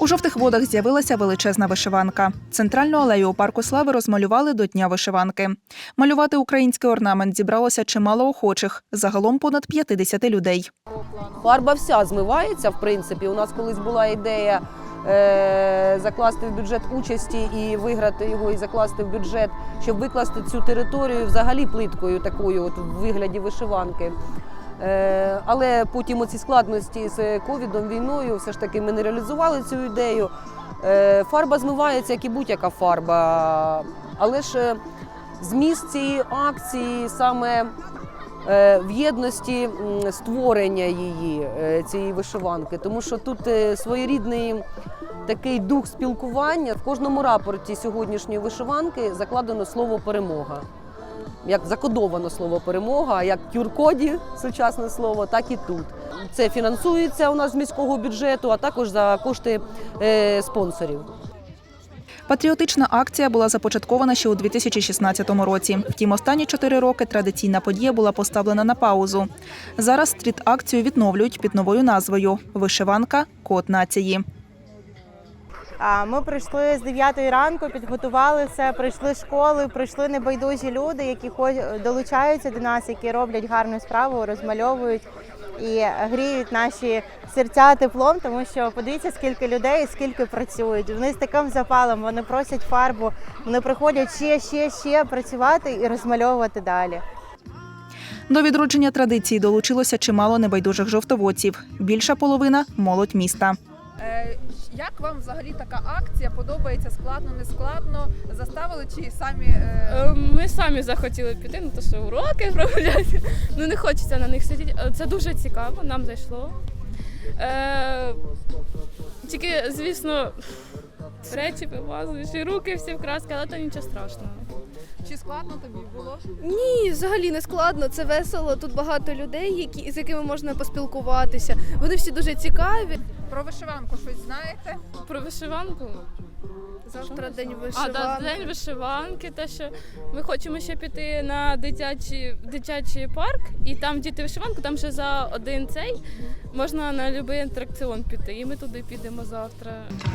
У Жовтих Водах з'явилася величезна вишиванка. Центральну алею у Парку Слави розмалювали до Дня вишиванки. Малювати український орнамент зібралося чимало охочих, загалом понад 50 людей. Фарба вся змивається, в принципі. У нас колись була ідея закласти в бюджет участі і виграти його, і закласти в бюджет, щоб викласти цю територію взагалі плиткою такою, от, в вигляді вишиванки. Але потім оці складності з ковідом, війною, все ж таки ми не реалізували цю ідею. Фарба змивається, як і будь-яка фарба. Але ж зміст цієї акції саме в єдності створення її, цієї вишиванки. Тому що тут своєрідний такий дух спілкування. В кожному рапорті сьогоднішньої вишиванки закладено слово «перемога». Як закодовано слово «перемога», як в QR-коді сучасне слово, так і тут. Це фінансується у нас з міського бюджету, а також за кошти спонсорів. Патріотична акція була започаткована ще у 2016 році. Втім, останні 4 роки традиційна подія була поставлена на паузу. Зараз стріт-акцію відновлюють під новою назвою «Вишиванка. Код нації». Ми прийшли з 9 ранку, підготували все, прийшли школи, прийшли небайдужі люди, які долучаються до нас, які роблять гарну справу, розмальовують і гріють наші серця теплом, тому що подивіться, скільки людей, скільки працюють. Вони з таким запалом, вони просять фарбу, вони приходять ще працювати і розмальовувати далі. До відродження традиції долучилося чимало небайдужих жовтоводців. Більша половина – молодь міста. Як вам взагалі така акція? Подобається? Складно, не складно? Заставили чи самі? Ми самі захотіли піти, то що уроки прогуляти. Не хочеться на них сидіти. Це дуже цікаво, нам зайшло. Тільки, звісно, речі вимазуєш і руки всі в краски, але то нічого страшного. Чи складно тобі було? Ні, взагалі не складно, це весело. Тут багато людей, з якими можна поспілкуватися. Вони всі дуже цікаві. Про вишиванку щось знаєте? Про вишиванку? Завтра день вишиванки. День вишиванки, те, що ми хочемо ще піти на дитячий парк, і там діти вишиванку, там ще за один цей можна на будь-який атракціон піти, і ми туди підемо завтра.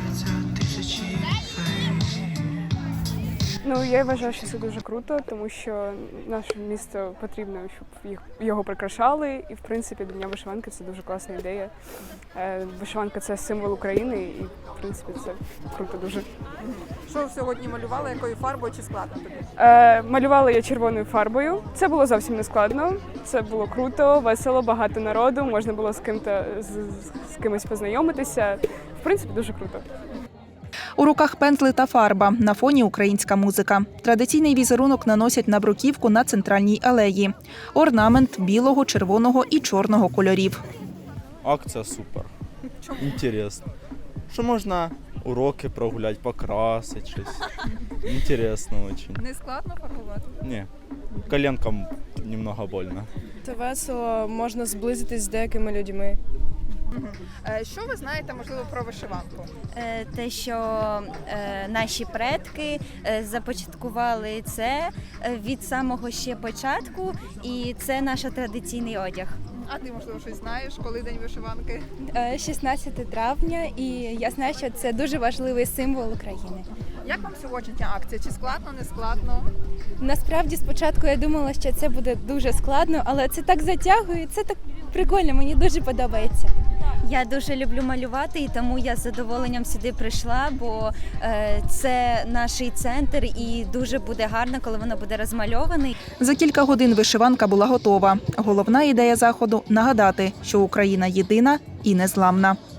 Я вважаю, що це дуже круто, тому що наше місто потрібно, щоб його прикрашали. І, в принципі, до Дня вишиванки це дуже класна ідея. Вишиванка – це символ України і, в принципі, це круто дуже. Що сьогодні малювали? Якою фарбою чи складно тобі? Малювала я червоною фарбою. Це було зовсім не складно. Це було круто, весело, багато народу. Можна було з кимось познайомитися. В принципі, дуже круто. У руках пензли та фарба, на фоні українська музика. Традиційний візерунок наносять на бруківку на центральній алеї. Орнамент білого, червоного і чорного кольорів. Акція супер. Інтересно. Що можна уроки прогуляти, покрасити щось. Інтересно дуже. Не складно фарбувати? Ні. Коленкам немного больно. Це весело, можна зблизитись з деякими людьми. Що ви знаєте, можливо, про вишиванку? Те, що наші предки започаткували це від самого ще початку, і це наш традиційний одяг. А ти, можливо, щось знаєш, коли День вишиванки? 16 травня, і я знаю, що це дуже важливий символ України. Як вам сьогоднішня акція? Чи складно, не складно? Насправді, спочатку я думала, що це буде дуже складно, але це так затягує, це так прикольно, мені дуже подобається. Я дуже люблю малювати, і тому я з задоволенням сюди прийшла, бо це наш центр і дуже буде гарно, коли воно буде розмальоване. За кілька годин вишиванка була готова. Головна ідея заходу – нагадати, що Україна єдина і незламна.